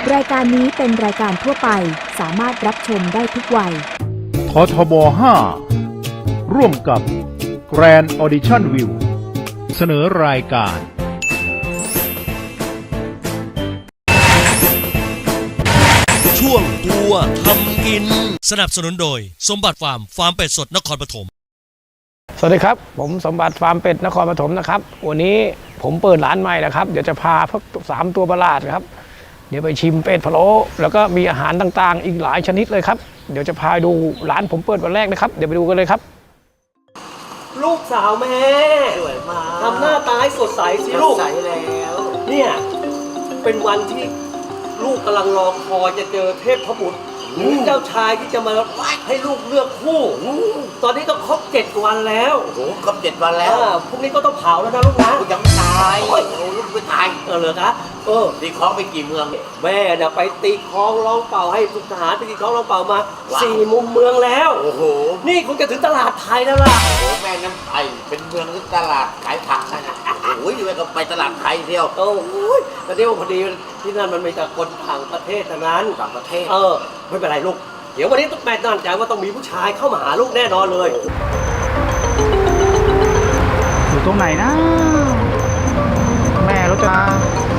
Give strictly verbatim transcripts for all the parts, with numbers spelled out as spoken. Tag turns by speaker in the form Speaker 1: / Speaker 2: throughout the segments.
Speaker 1: รายการนี้เป็นรายการทั่วไปสามารถรับชมได้ทุกวัย
Speaker 2: ททบ ห้า ร่วมกับ Grand Audition View เสนอรายการ
Speaker 3: ช่วงตัวทำกินสนับสนุนโดยสมบัติฟาร์มฟาร์มเป็ดสดนครปฐม
Speaker 4: สวัสดีครับผมสมบัติฟาร์มเป็ดนครปฐมนะครับวันนี้ผมเปิดร้านใหม่นะครับเดี๋ยวจะพาพวกสามตัวประหลาดครับเดี๋ยวไปชิมเป็ดพะโล้แล้วก็มีอาหารต่างๆอีกหลายชนิดเลยครับเดี๋ยวจะพาดูร้านผมเปิดวันแรกนะครับเดี๋ยวไปดูกันเลยครับ
Speaker 5: ลูกสาวแม่สวยมากทำหน้าตาให้สดใสสิลูกสดใสแล้วเนี่ยเป็นวันที่ลูกกำลังรอคอยจะเจอเทพบุตรหรือเจ้าชายที่จะมาให้ลูกเลือกคู่ตอนนี้ก็ครบเจ็ดวันแล้ว
Speaker 6: โอ้โหครบเจ็ดวันแล้ว
Speaker 5: พรุ่งนี้ก็ต้องเผาแล้วนะลูกนะ
Speaker 6: ยังไม่ตายโอ้ยลูกไม่ตาย
Speaker 5: เออเหรอคะเออ
Speaker 6: ตีคล้องไปกี่เมือง
Speaker 5: แม่เนี่ยไปตีคล้องร้องเป่าให้ทหารไปตีคล้องร้องเป่ามาสี่มุมเมืองแล้ว
Speaker 6: โอ้โห
Speaker 5: นี่คงจะถึงตลาดไทยแล้วล่ะ
Speaker 6: โอ้แม่น้ำไทยเป็นเมืองหรือตลาดขายผักนะโอ้ยแม่ก็ไปตลาดไทยเที่ยว
Speaker 5: โอ้ยแต่เดี๋ยวพอดีที่นั่นมันมีแต่คนต่างประเทศเท่านั้น
Speaker 6: ต่างประเทศ
Speaker 5: เออไม่เป็นไรลูกเดี๋ยววันนี้ต้องแม่ตั้งใจว่าต้องมีผู้ชายเข้ามาหาลูกแน่นอนเลย
Speaker 4: อยู่ตรงไหนนะแม่รถมา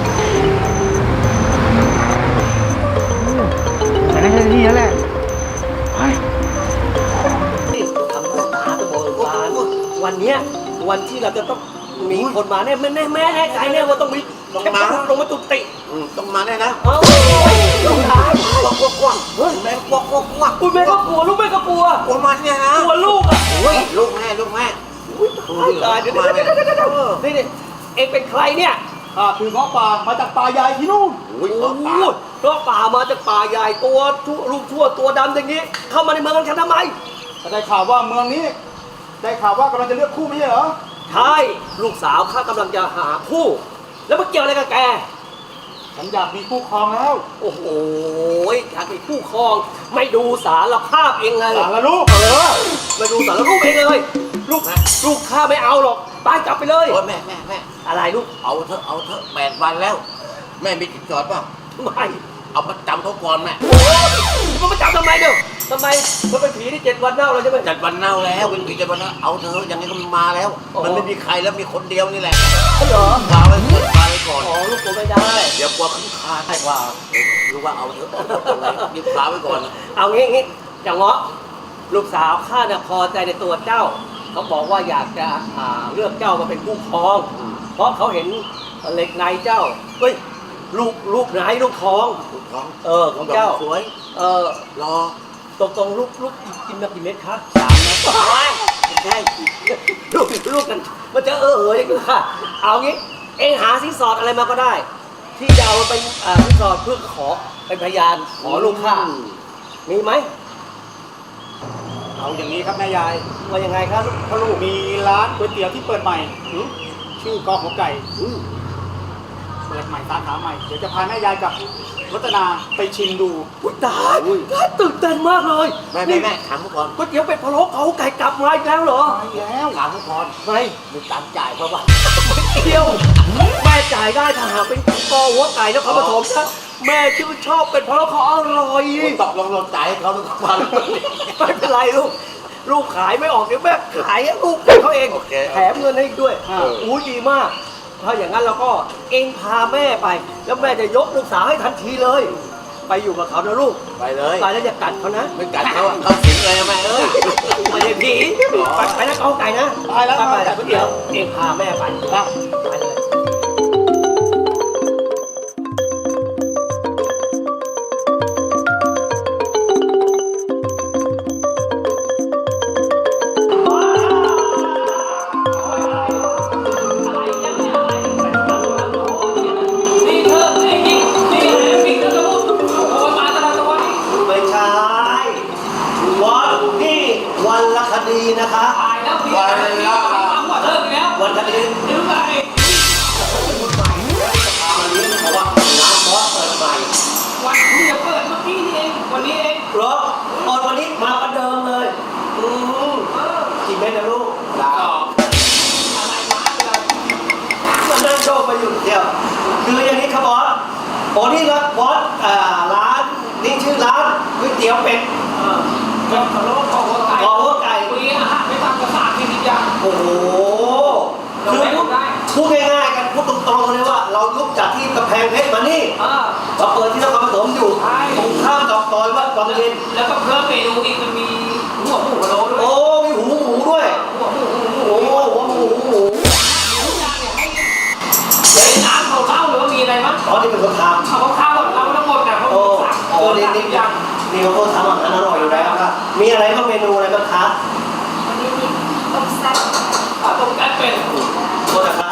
Speaker 4: แต่นั่นแค่นี้แล้วแหละไป
Speaker 5: นี่ทำหน้าตาตะโกนบานวันเนี้ยวันที่เราจะต้องมีคนมาแน่แม่แน่แม่แน่ใจแน่ว่าต้องมี
Speaker 6: ต้องมา
Speaker 5: ลงมาตุติ
Speaker 6: ต้องมาแน่นะ
Speaker 5: เออลูกหลาน
Speaker 6: กวักกวักกวักเฮ้ยแม่กวักกวักกวัก
Speaker 5: อุ้ยแม่ก็กลัวลูกแม่ก็กลัว
Speaker 6: กลัวมันเนี่ยนะ
Speaker 5: กลัวลูกอ่ะ
Speaker 6: โอ้ยลูกแม่ลูกแม่
Speaker 5: ตายเดี๋ยวนี่นี่เองเป็นใครเนี่ย
Speaker 7: ข้าคือเงาะป่ามาจากป่าใหญ่ที่นู่น
Speaker 5: โอ้ยเงาะป่าเงาะป่ามาจากป่าใหญ่ตัวลูกชั่วตัวดำอย่างนี้เข้ามาในเมืองกันทำไม
Speaker 7: ได้ข่าวว่าเมืองนี้ได้ข่าวว่ากำลังจะเลือกคู่ไม่ใช่เหรอ
Speaker 5: ใช่ลูกสาวข้ากำลังจะหาคู่แล้วมันเกี่ยวอะไรกับแก
Speaker 7: ฉันอยากมีคู่ครองแล้ว
Speaker 5: โอ้โหอยากมีคู่ครองไม่ดูสารภาพเองเลย
Speaker 7: สารลูก
Speaker 5: เออไม่ดูสารลูกเองเลยลูกลูกข้าไม่เอาหรอกตายกลับไปเลย
Speaker 6: โอ้ยแม่แม่แม่
Speaker 5: อะไรลูก
Speaker 6: เอาเถอะเอาเถอะแปดวันแล้วแม่มีจิตจอดป่ะ
Speaker 5: ไม่
Speaker 6: เอามาจำเขาก่อนแม่
Speaker 5: มันมาจับทำไมเด้อทำไมมันเป็นผีที่เจ็ดวันเน่าแล้วใช่ไหม
Speaker 6: เจ็ดวันเน่าแล้วเป็นผีเจ็ดวันเน่าเอาเถอะยังไงก็มาแล้วมันไม่มีใครแล้วมีคนเดียวนี่แหละ
Speaker 5: เหรอ
Speaker 6: พาไว้ก่อนพาไว้ก่อน
Speaker 5: อ๋อลูกตัวไม่ได้
Speaker 6: เดี๋ยวกลัวขึ้นคาให้ว่ารู้ว่าเอาเถอะรีบพาไว้ก่อน
Speaker 5: เอางี้งี้จะเงาะลูกสาวข้าเนี่ยพอใจในตัวเจ้าเขาบอกว่าอยากจะเลือกเจ้ามาเป็นคู่ครองเพราะเขาเห็นเหล็กในเจ้าเฮ้ยลูกลูกไหนลูกทอง
Speaker 6: ลูกทอง
Speaker 5: เออของเจ้า
Speaker 6: สวย
Speaker 5: เออ
Speaker 6: รอ
Speaker 5: ตรงตรงลูกลูกกินมากี่เม็ดคะ
Speaker 6: สามเม็ด
Speaker 5: ใช่ลูกลูกกันมันจะเออเอออย่างนี้ค่ะเอางี้เองหาสินสอดอะไรมาก็ได้ที่จะเอาเป็นสินสอดเพื่อขอเป็นพยานขอลูกข้ามีไหม
Speaker 7: เอาอย่างนี้ครับแม่ยาย
Speaker 5: ว่ายังไงครับพ่อลูก
Speaker 7: มีร้านก๋วยเตี๋ยวที่เปิดใหม่ชื่อกอหัวไก่เปิดใหม่สาขาใหม่เดี๋ยวจะพาแม่ยายกับรัตนาไปชิมดู
Speaker 5: อุ้ยตายน่าตื่นเต้นมากเลย
Speaker 6: แม่แม่แม่ถามก่อน
Speaker 5: ก๋วยเตี๋ยวเป็ดพะโล้เขาไก่กลับมาอีกแล้วเหรอ
Speaker 6: มาแล้วถามก่อน
Speaker 5: ไม่
Speaker 6: มีตังจ่ายเพราะว่า
Speaker 5: เที่ยวแม่จ่ายได้ถ้าหากเป็นกอหัวไก่นครปฐมนะแม่ชื่นชอบเป็ดพะโล้เขาอร่อย
Speaker 6: ตกลงลงจ่ายให้เขาหรือเปล่า
Speaker 5: ไม่เป็นไรลูกลูกขายไม่ออกเดี๋ยวแม่ขายให้ลูกเขาเองแถมเงินให้ด้วยอู้ดีมากถ้าอย่างนั้นเราก็เองพาแม่ไปแล้วแม่จะยกลูกสาวให้ทันทีเลยไปอยู่กับเขานะลูก
Speaker 6: ไปเลย
Speaker 5: ไปแล้วอย่ากัดเขานะ
Speaker 6: ไม่กัดเขาเขาสิงเลยแม่เอ้ย
Speaker 5: ไม่ใช่ผีไปไปนะเขาไก่นะ
Speaker 7: ไปแล้ว
Speaker 5: ไปแต่เดี๋ยวเองพาแม่ไปไปเลยวันละคดีนะคะ
Speaker 6: วันละ
Speaker 5: วันคดีอ๋อนี่ร้านบอสอ่าร้านนี่ชื่อร้านก๋วยเตี๋ยวเป็ด
Speaker 4: เออก็ทะเลาะกับหัวไก่
Speaker 5: ขอหัวไก่
Speaker 4: มีอาหารไม่ต่ำกว่าสามสิบอย่าง
Speaker 5: โอ้โหคือพูดพูดง่ายๆกันพูดตรงๆเลยว่า เราลุกจากที่กำแพงเพชรมานี่
Speaker 4: เออ
Speaker 5: มาเปิดที่นครปฐมอยู่
Speaker 4: ใช่
Speaker 5: ตรงข้ามกับซอยวัดวังเย็น
Speaker 4: แล้วก็เพิ่มเมนูอีกมันมีหัวหมูกระโหลกด้วย
Speaker 5: โอ้มีหูหมูด้วย
Speaker 4: หัวหมูหัวหมู
Speaker 5: โอ้หัวหมูหมู
Speaker 4: ทุกอย่างเนี่ยให้เป็นน้ำเขาเล่าหรือว่ามีอะไรมั้ง
Speaker 5: อ๋อนี่เป็นคนทำ
Speaker 4: เอาข้าวก่อนเราทั้งหมดนะเขา
Speaker 5: โอ้
Speaker 4: สั่ง
Speaker 5: โอ้
Speaker 4: เกิน
Speaker 5: นี่
Speaker 4: สาม
Speaker 5: นี่
Speaker 4: สิบอย่าง
Speaker 5: นี่เขาทำอาหารอร่อยอยู่แล้วครับมีอะไรบ้างเมนูอะไรบ้างคะ
Speaker 8: วันนี้มีต้มแซ่บ
Speaker 4: อ่ะต้มแซ่บเป็น
Speaker 5: โทษนะครับ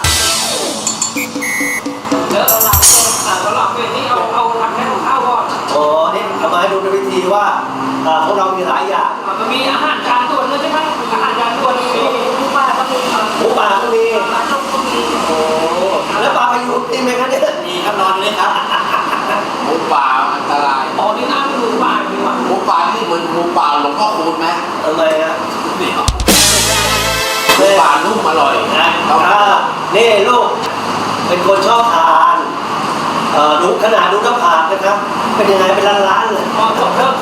Speaker 4: แล้วเราหลับอ่ะเราหลับเป็นนี่เอาเอาทำแค่ข้าวก่อน
Speaker 5: อ๋อนี่เอามาให้ดูในวิธีว่าอ่าของเรามีหลายอย่าง
Speaker 4: อ่ะมันมีอาหารจานด่วนด้วยใช่ไหมอาหารจานด่วนมี
Speaker 8: หมูป่าก็มี
Speaker 5: หมูป่าก็มี
Speaker 8: ปลาต้มก็มี
Speaker 5: โอ้แล้วปลาพายุติมไหมครับเนี่ย
Speaker 6: มีครับนอนเลยครับหมูป่าอันตราย
Speaker 4: อ๋อนี่น้ำเป็นหมูป่าจริงวะ
Speaker 6: หมูป่านี่เหมือนหมูป่าหลวงพ่อคูณไหม
Speaker 5: ทำไมฮะ
Speaker 6: นี่ครับหมูป่านุ่มอร่อย
Speaker 5: นะ
Speaker 6: ครับ
Speaker 5: อ่านี่ลูกเป็นคนชอบทานเอ่อดูขนาดดูน้ำผากนะครับ เป็นยังไงเป็นล้านๆเลย
Speaker 4: อ๋อจบเริ่ม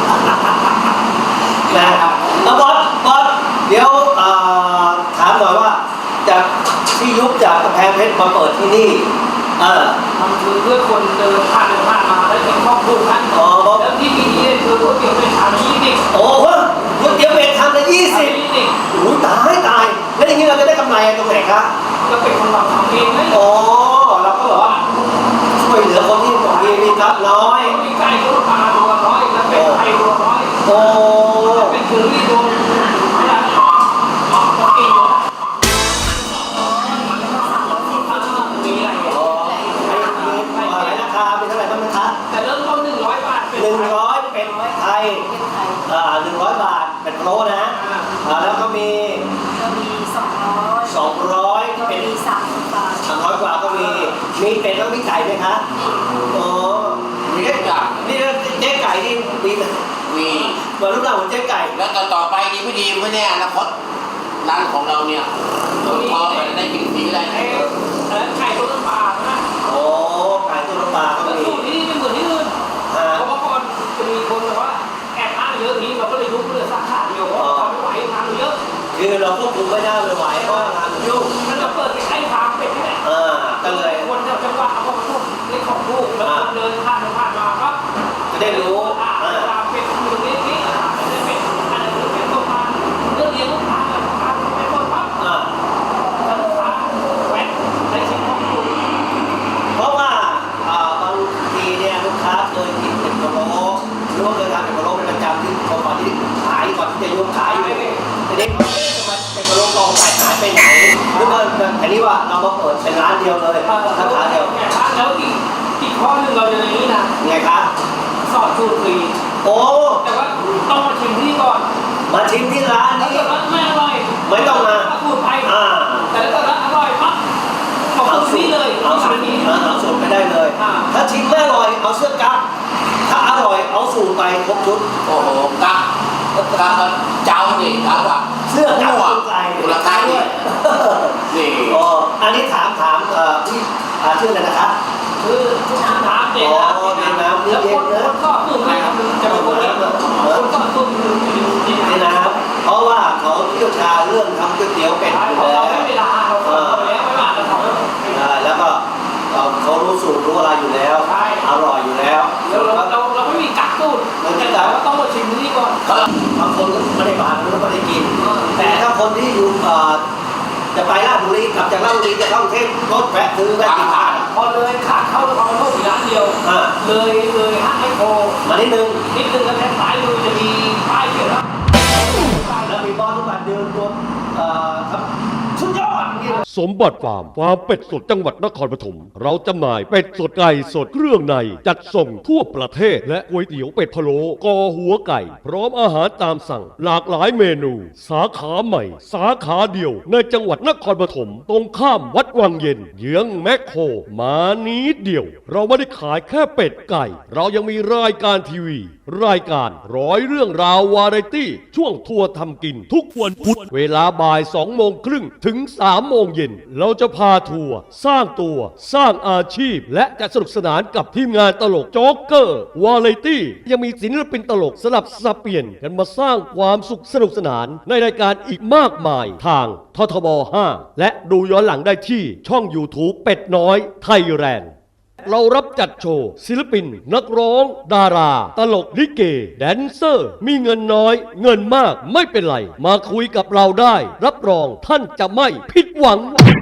Speaker 5: นะครับแล้วบอสบอสเดี๋ยวเอ่อถามหน่อยว่าจากที่ยุบจากกำแพงเพชรมาเปิดที่นี่เออ
Speaker 4: มันคือเพื่อคนเดินผ่านเดินผ่านมาแล้วเห็นครอบครัวกัน
Speaker 5: อ๋อ
Speaker 4: แล้วที่มีนี่คือก๋วยเตี๋ยวเป็นชามยี่สิบ
Speaker 5: โอ้โหก๋วยเตี๋ยวเป็ดทำละยี่สิบ
Speaker 4: ยี่สิบ
Speaker 5: โอ้ยตายตาย แล้วอย่างนี้เราจะได้กำไรตรงไหนคะ
Speaker 4: ก็เป็นคนเราทำเองเลย
Speaker 5: อ๋อเราก็แบบว่าช่วยเหลือคนที่มีมีทรัพย์น้อย
Speaker 4: มีไก่ตัวปลาตัวร้อยแล้วเป็นไก่ตัวร้อย
Speaker 5: โอ้
Speaker 4: เป็นคือที่ตัวไม่ได้อ๋อตัวเองมีอะไร
Speaker 5: อ๋อไอ้ไอ้อะไรราคาเป็นเท่าไหร่บ้างนะคะ
Speaker 4: แต่เริ่มต้นหนึ่งร้อยบาทเป็น
Speaker 5: หนึ่งร้อยเป็นไทย
Speaker 8: เป็นไทย
Speaker 5: อ่าหนึ่งร้อยบาทเป็นโลนะอ่าแล้วก็มี
Speaker 8: ก็มีสองร้อย
Speaker 5: สองร้อย
Speaker 8: ก็
Speaker 5: เป็น
Speaker 8: มีสามสิบบาท
Speaker 5: สามร้อยกว่าก็มี มีเป็ดแล้วมีไก่ไหมคะอ๋อ
Speaker 6: มีทุกอย่าง
Speaker 5: นี่เจ๊ไก่นี่มี
Speaker 6: มี
Speaker 5: เหมือนรูปร่างเหมือนเจ๊ไก่
Speaker 6: แล้วก็ต่อไปดีไม่ดีไม่แน่อนาคตร้านของเราเนี่ยตัวทองมันได้กินฟรีได้
Speaker 4: ไอ้แล้วไก่ตัวน้ำปลานะ
Speaker 5: โอ้ไก่ตัวน้ำปลาก็
Speaker 4: แล้ว
Speaker 5: มี
Speaker 4: สูตรนี้ไม่เหมือนที่อื่น
Speaker 5: อ่า
Speaker 4: เพราะว่าก่อนจะมีคนแบบว่าแอบอ้างเยอะนี้เราก็เลยยุบเหลือสาขาเดียวเพราะเราทำไม่ไหวทำเยอะ
Speaker 5: คือเราควบคุมไม่ได้ไม่ไหวเพราะงานมันยุ่ง
Speaker 4: มันจะเปิดใกล้ๆฟาร์มเป็ดนี่แหละ
Speaker 5: อ่าก็เลย
Speaker 4: คนแถวจังหวัดเขาก็มาทุบเล็กของลูกแล้วคนเดินผ่านไปผ่านมาก็
Speaker 5: จะได้รู้
Speaker 4: อ่า
Speaker 5: อ่า
Speaker 4: ฟาร์มเป็ดอยู่ตรงนี้นี่อ่าเป็นเป็ดอันนี้คือเป็ดตัวปลาเรื่องเลี้ยงลูกค้าเลยลูกค้าเป็นคนปั๊บ
Speaker 5: อ่า
Speaker 4: แล้วลูกค้าแหวนได้ชิมของคุณ
Speaker 5: เพราะว่าอ่าบางทีเนี่ยลูกค้าเคยกินเป็ดพะโล้หรือว่าเคยทานเป็ดพะโล้เป็นประจำที่ก่อนที่ขายก่อนที่จะยกขายอยู่ทีนี้เป็ดพะโล้กองไก่หายไปไหนหรือว่าอันนี้ว่าเรามาเปิดเป็นร้านเดียวเลยสาขาเดียว
Speaker 4: แล้วอีกอีกข้อหนึ่งเราจะในนี้นะ
Speaker 5: ไงคะ
Speaker 4: สอนสูตรฟรี
Speaker 5: โอ้
Speaker 4: แต่ว่าต้องมาชิมที่ก่อน
Speaker 5: มาชิมที่ร้าน
Speaker 4: ถ้า
Speaker 5: นี้
Speaker 4: เกิดว่าไม่อร่อย
Speaker 5: ไม่ต้องมา
Speaker 4: สูตรไป
Speaker 5: อ่า
Speaker 4: แต่ถ้าเกิดว่าอร่อยปั๊บเอาสูตรนี้เลย
Speaker 5: เอา
Speaker 4: เอา
Speaker 5: สู
Speaker 4: สา
Speaker 5: ต
Speaker 4: ร
Speaker 5: ร
Speaker 4: นี้
Speaker 5: เอาสูตรไม่ได้เลย
Speaker 4: อ่า
Speaker 5: ถ้าชิมไม่อร่อยเอาเสื้อกั๊กถ้าอร่อยเอาสูตรไปครบชุด
Speaker 6: โอ้โหกักกักก็เจ้านี่กักว่า
Speaker 5: เสื้อกั๊ก
Speaker 6: หัว
Speaker 5: สูตรไก่
Speaker 6: มูลค่านี่นี่
Speaker 5: อ๋ออันนี้ถามถามเอ่อพี่อ่าชื่ออะไรนะครับ
Speaker 4: คือน้ำเด็ด
Speaker 5: อ๋อ
Speaker 4: นะ
Speaker 5: เด็ดน้ำ
Speaker 4: แล้ว
Speaker 5: เย็
Speaker 4: คน น
Speaker 5: นะ
Speaker 4: คนก็สูตรไม่ครับจะเป็นคนเด็ดคนก็สูตรคือเด็ด
Speaker 5: นี่นะครับเพราะว่าเขาเชี่ยวชาญเรื่องทำก๋วยเตี๋ยวเป็ดอยู่
Speaker 4: เรา
Speaker 5: แล้ว
Speaker 4: ไม่เวลาเราทำแล้วไม่ว่าเราทำ
Speaker 5: อ่าแล้วก็เอ่อเขารู้สูตรรู้อะไรอยู่แล้ว
Speaker 4: ใช่
Speaker 5: อร่อยอยู่แล้ว
Speaker 4: เราเราเราเราไม่มีกักสูตรแต่ว่าต้องมาชิมที่ก่อน
Speaker 5: บางคนก็ไม่ได้มาแล้วก็ไม่ได้กิน แต่ถ้าคนที่อยู่เอ่อจะไปราชบุรีกลับจากราชบุรีจะเข้ากรุงเทพรถแวะซื้อแวะกินข้าว
Speaker 4: พอเลยขาเข้าเราเข้าอีกร้านเดียว
Speaker 5: อ่า
Speaker 4: เลยเลยห้างไอโค
Speaker 5: มานิดนึง
Speaker 4: นิดนึงแล้วแทนสายมือจะมีป้ายเขียนว่า
Speaker 5: แล้วมีบอลทุกวันเดินตัวเอ่อครับสุดยอดอย่างนี้เลย
Speaker 9: สมบัติฟาร์มฟาร์มเป็ดสดจังหวัดนครปฐมเราจำหน่ายเป็ดสดไก่สดเครื่องในจัดส่งทั่วประเทศและก๋วยเตี๋ยวเป็ดพะโล้กอหัวไก่ พร้อมอาหารตามสั่ง หลากหลายเมนู สาขาใหม่ สาขาเดียว ในจังหวัดนครปฐมตรงข้ามวัดวังเย็นเยื้องแมคโครมานิดเดียว เราไม่ได้ขายแค่เป็ดไก่ เรายังมีรายการทีวี รายการร้อยเรื่องราววาไรตี้ช่วงทัวร์ทำกินทุกวันพุธเวลาบ่ายสองโมงครึ่งถึงสามโมงเย็นย็นเราจะพาทัวร์สร้างตัวสร้างอาชีพ และจะสนุกสนานกับทีมงานตลกโจ๊กเกอร์วาไรตี้ยังมีศิลปินตลกสลับสับเปลี่ยนกันมาสร้างความสุขสนุกสนานในรายการอีกมากมายทางททบ ห้า และดูย้อนหลังได้ที่ช่อง YouTube เป็ดน้อยไทยแลนด์เรารับจัดโชว์ศิลปิน นักร้อง ดารา ตลกลิเก แดนเซอร์ มีเงินน้อย เงินมากไม่เป็นไร มาคุยกับเราได้ รับรองท่านจะไม่ผิดหวัง